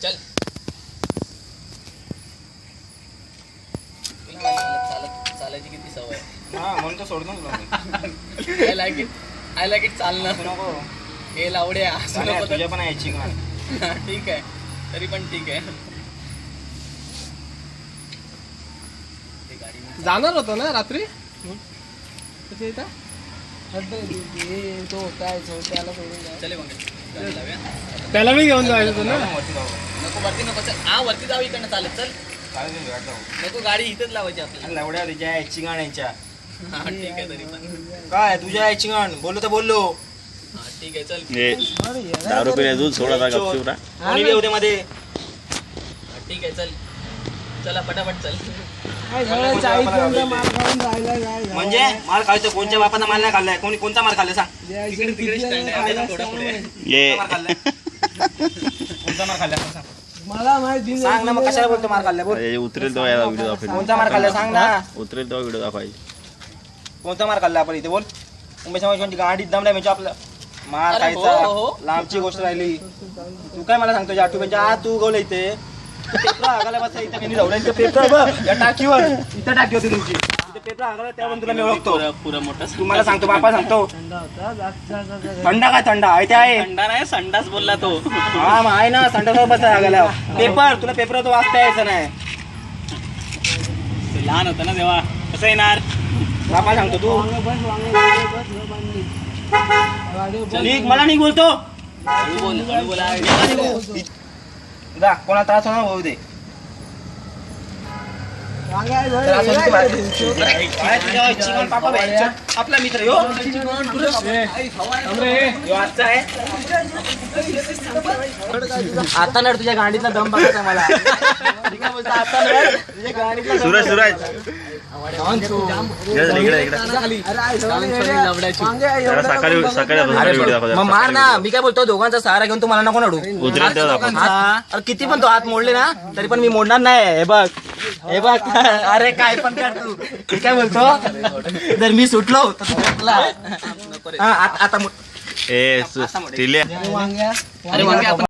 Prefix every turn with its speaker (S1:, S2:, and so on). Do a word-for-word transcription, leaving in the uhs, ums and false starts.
S1: चल चालत चालायची किती सवय
S2: हा म्हणून तर सोडतो तुला
S1: I like it I like it चालणं
S2: नको
S1: हे लावड्या असं नको
S2: तुझ्या पण यायची का
S1: ठीक आहे तरी पण ठीक आहे
S3: जाणार होतो ना रात्री
S1: चले मग
S3: त्याला मी घेऊन जायचं होतं ना.
S1: नको वरती नको चल हा वरती जाऊ इकडनं चालत चल नको गाडी इथेच लावायची आपल्याला
S2: एवढ्या तुझ्या यायची गाण यांच्या
S1: हा ठीक आहे तरी पण
S2: काय तुझ्या यायची गाण बोललो तर बोललो
S1: हा ठीक आहे चल
S4: दारू पिण्या दूध सोडा गपचूप
S2: कोणी बी होते मध्ये
S1: हा, ठीक आहे चल चला पटापट चल
S2: म्हणजे मार खायचं कोणत्या बापाचा माल नाही खाल्लाय कोणी कोणता मार खाल्लाय सांग
S1: तिकडे तिकडे स्टँड आहे त्याच्या थोडा पुढे
S4: ये
S2: मार खाल्लाय कोणता मार खाल्लाय सांग
S3: मला माहिती
S2: सांग ना मग कशाला बोलतो मार खाल्लाय बोल
S4: उतरेल तो व्हिडिओ दाखवायचा
S2: कोणता मार खाल्लाय सांग ना
S4: उतरेल तो व्हिडिओ दाखवायचा
S2: कोणता मार खाल्लाय आपण इथे बोल मुंबई समाजाची गाडी दम नाही म्हणजे आपलं मार
S1: अरे हो,
S2: खायचा
S1: हो.
S2: लांबची गोष्ट राहिली तू काय मला सांगतो आठवू म्हणजे आज तू गवलं इथे पेपर आगाला बस इथे मी जाऊ इथे पेपर बघ या टाकीवर इथे टाकी होती तुमची इथे पेपर आगाला त्यावर तुला मी ओळखतो
S1: पुरा पुरा मोठा
S2: तुम्हाला सांगतो बापा सांगतो थंडा काय थंडा आहे ते आहे
S1: थंडा नाही संडास बोलला तो
S2: हा मग आहे ना थंडा बस आगाला पेपर तुला पेपर तो वाचता यायचं नाही
S1: ते लहान होता ना तेव्हा कसं येणार
S2: बापा सांगतो तू निघ मला नाही बोलतो
S1: हळू बोल हळू बोला
S2: जा कोणाला त्रास होणार होऊ दे पापा आपला मित्र यो आता नड तुझ्या गाडीतला दम बघायचा मला आता नड तुझ्या गाडीतला
S4: सूरज सूरज इकडे इकडे जरा सकाळी सकाळी व्हिडिओ दाखव
S2: मग मार ना मी काय बोलतो दोघांचा सहारा घेऊन तुम्हाला नको नडू
S4: उतरेल तेव्हा दाखव
S2: हात- अरे किती पण तो हात मोडले ना तरी पण मी मोडणार नाही हे बघ हे बघ अरे काय पण कर तू मी काय बोलतो जर मी सुटलो तर तू सुटला हा, आता आता मोड-
S4: ए टिले
S2: अरे वांगे आपण